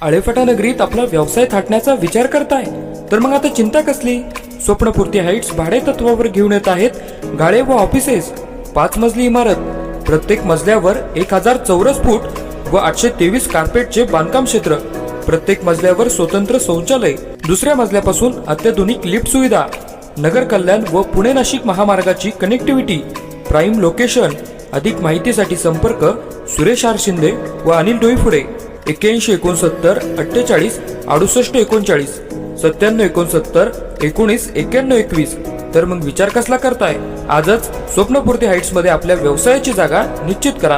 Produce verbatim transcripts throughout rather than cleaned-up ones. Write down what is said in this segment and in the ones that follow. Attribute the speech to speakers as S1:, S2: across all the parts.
S1: आळेफाटा नगरीत आपला व्यवसाय थाटण्याचा विचार करताय तर मग आता चिंता कसली? स्वप्नपूर्ती हाईट्स भाडे तत्वावर घेऊन येत आहेत गाळे व ऑफिसेस. पाच मजली इमारत, प्रत्येक मजल्यावर एक हजार चौरस फूट व आठशे तेवीस कार्पेटचे बांधकाम क्षेत्र, प्रत्येक मजल्यावर स्वतंत्र शौचालय, दुसऱ्या मजल्यापासून अत्याधुनिक लिफ्ट सुविधा, नगर कल्याण व पुणे नाशिक महामार्गाची कनेक्टिव्हिटी, प्राईम लोकेशन. अधिक माहितीसाठी संपर्क सुरेश आर शिंदे व अनिल डोईफुडे. एक्क्याऐंशी एकोणसत्तर अठ्ठेचाळीस अडुसष्ट एकोणचाळीस, सत्त्याण्णव एकोणसत्तर एकोणीस एक्क्याण्णव एकवीस. तर मग विचार कसला करताय? आजच स्वप्नपूर्ती हाईट्स मध्ये आपल्या व्यवसायाची जागा निश्चित करा.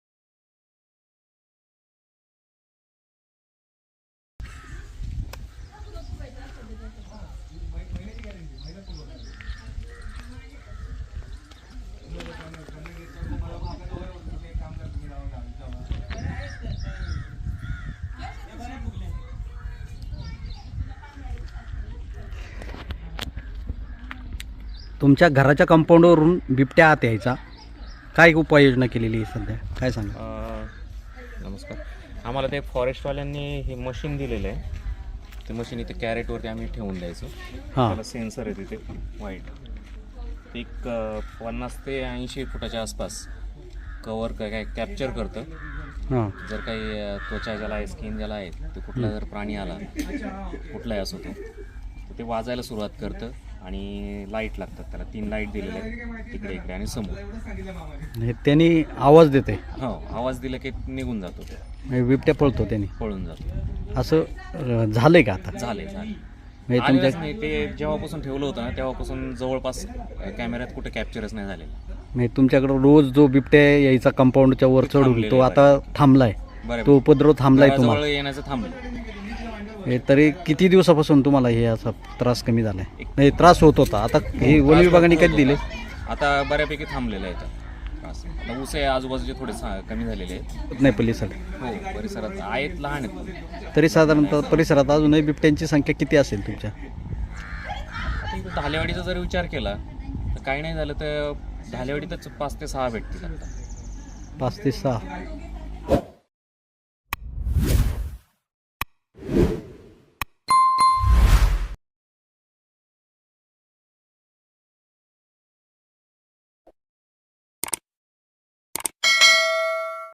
S2: तुमच्या घराच्या कंपाऊंडवरून बिबट्या आत यायचा, काय उपाययोजना केलेली आहे सध्या, काय सांगा?
S3: अ, नमस्कार. आम्हाला ते फॉरेस्टवाल्यांनी हे मशीन दिलेलं आहे. ते मशीन इथे कॅरेटवरती आम्ही ठेवून द्यायचो.
S2: हां
S3: त्याला सेन्सर आहे तिथे वाईट. ते एक अ, पन्नास ते ऐंशी फुटाच्या आसपास कवर काय कॅप्चर करतं.
S2: हां
S3: जर काही अ, त्वचा ज्याला आहे, स्किन ज्याला आहे, ते कुठला जर प्राणी आला, कुठलाही असो तो, तर ते वाजायला सुरुवात करतं आणि लाईट लागतात त्याला. तीन लाईट दिलेले आहेत तिकडे, इकडे आणि समोर.
S2: हे त्यांनी आवाज देते,
S3: हो, आवाज दिला की निघून जातो, ते
S2: म्हणजे बिबट्या पळतो त्यांनी,
S3: पळून जातो.
S2: असं अं, झालंय का आता?
S3: झाले झाले
S2: म्हणजे
S3: आलेलंच
S2: तुमच्या
S3: नाही. ते जेव्हापासून ठेवलं होतं ना तेव्हापासून जवळपास कॅमेऱ्यात कुठे कॅप्चरच नाही झालेलं.
S2: म्हणजे तुमच्याकडं रोज जो बिबट्या यायचा कंपाऊंडच्या वर चढून,
S3: थांबलेलं
S2: तो
S3: आहे.
S2: आता थांबलाय,
S3: बरं,
S2: तो उपद्रव थांबलाय
S3: जवळ
S2: तुम्हाला?
S3: येण्याचं थांबलं.
S2: हे तरी किती दिवसापासून तुम्हाला हे असा त्रास कमी झालाय? नाही, त्रास होत होता, आता हे वन विभागाने कधी दिले?
S3: आता बऱ्यापैकी थांबलेलं आहे. त्रास आता ऊस आहे आजूबाजूचे थोडे सा- कमी झालेले आहेत.
S2: नाही परिसरात,
S3: हो, परिसरात आहेत, लहान आहेत.
S2: तरी साधारणतः परिसरात अजूनही बिबट्यांची संख्या किती असेल तुमच्या?
S3: आता इथं धालेवाडीचा जर विचार केला तर काही नाही झालं तर धालेवाडीतच पाच ते सहा भेटतील आता.
S2: पाच ते सहा.